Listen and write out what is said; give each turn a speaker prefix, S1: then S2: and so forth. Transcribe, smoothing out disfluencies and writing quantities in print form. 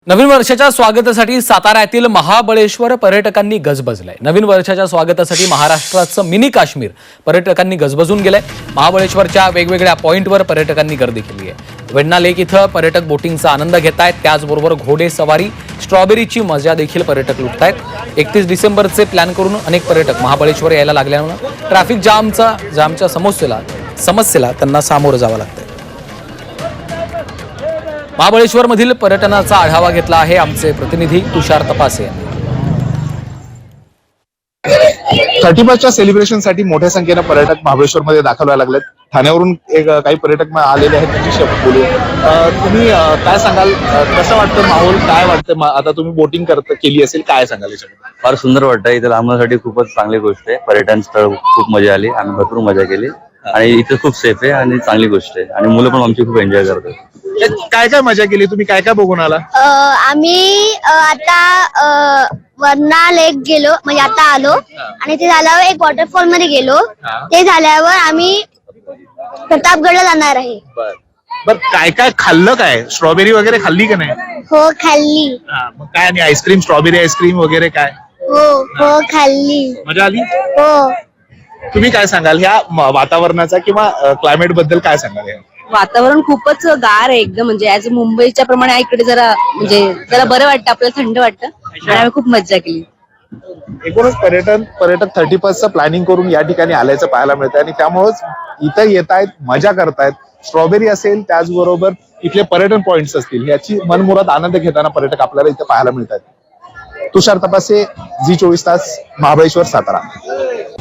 S1: नवीन वर्षाच्या स्वागतासाठी सातारा येथील महाबळेश्वर पर्यटकांनी गजबजलंय। नवीन वर्षाच्या स्वागतासाठी महाराष्ट्राचं मिनी काश्मीर पर्यटकांनी गजबजून गेलंय। महाबळेश्वरच्या वेगवेगळ्या पॉइंटवर पर्यटकांनी गर्दी केली आहे। वेण्णा लेक इथं पर्यटक बोटिंगचा आनंद घेतायत, त्याचबरोबर घोडे सवारी, स्ट्रॉबेरीची मजा देखील पर्यटक लुटतायत। 31 डिसेंबरचे प्लॅन करून अनेक पर्यटक महाबळेश्वर यायला लागल्यानं ट्रॅफिक जामच्या समस्येला त्यांना सामोरं जावं लागतंय। महाबळेश्वर मधील पर्यटनाचा आढावा घेतला आहे आमचे प्रतिनिधी तुषार तपासे यांनी।
S2: 31च्या सेलिब्रेशनसाठी मोठ्या संख्येने पर्यटक महाबळेश्वर मध्ये दाखल व्हायला लागलेत। ठाण्यावरून काही पर्यटक आलेले आहेत, त्यांच्याशी बोलू। तुम्ही काय सांगाल, कसं वाटतं माहोल, काय वाटतं? आता तुम्ही बोटिंग केली असेल, काय सांगाल याच्याबद्दल?
S3: फार सुंदर वाटतं। इथे आम्हासाठी खूपच चांगली गोष्ट आहे। पर्यटन स्थळ खूप मजा आली, आम्ही भरपूर मजा केली आणि इथे खूप सेफ आहे आणि चांगली गोष्ट आहे आणि मुलं पण आमची खूप एन्जॉय करतात।
S2: काय काय मजा केली तुम्ही, काय काय बघून आला?
S4: आम्ही आता वरना लेक गेलो, म्हणजे आता आलो आणि ते झाल्यावर एक वॉटरफॉल मध्ये गेलो। ते झाल्यावर आम्ही प्रतापगडला जाणार आहे।
S2: बर, काय काय खाल्लं? काय स्ट्रॉबेरी वगैरे खाल्ली का नाही?
S4: हो खाल्ली।
S2: मग काय, आणि आईस्क्रीम, स्ट्रॉबेरी आईस्क्रीम वगैरे काय
S4: हो खाल्ली।
S2: मजा आली?
S4: हो।
S2: तुम्ही काय सांगाल ह्या वातावरणाचा किंवा क्लायमेट बद्दल काय सांगाल?
S5: वातावरण खूपच गार आहे एकदम, म्हणजे ऍज मुंबईच्या प्रमाणे इकडे जरा बरं वाटतं, आपल्याला थंड वाटतं आणि आम्ही खूप मज्जा केली।
S2: एकूणच पर्यटक 31चं प्लॅनिंग करून या ठिकाणी आल्याचं पाहायला मिळतं आणि त्यामुळेच इथं येत आहेत, मजा करतायत। स्ट्रॉबेरी असेल, त्याचबरोबर इथले पर्यटन पॉइंट्स असतील, याची मनमुराद आनंद घेताना पर्यटक आपल्याला इथे पाहायला मिळतात। तुषार तपासे, झी 24 तास, महाबळेश्वर, सातारा।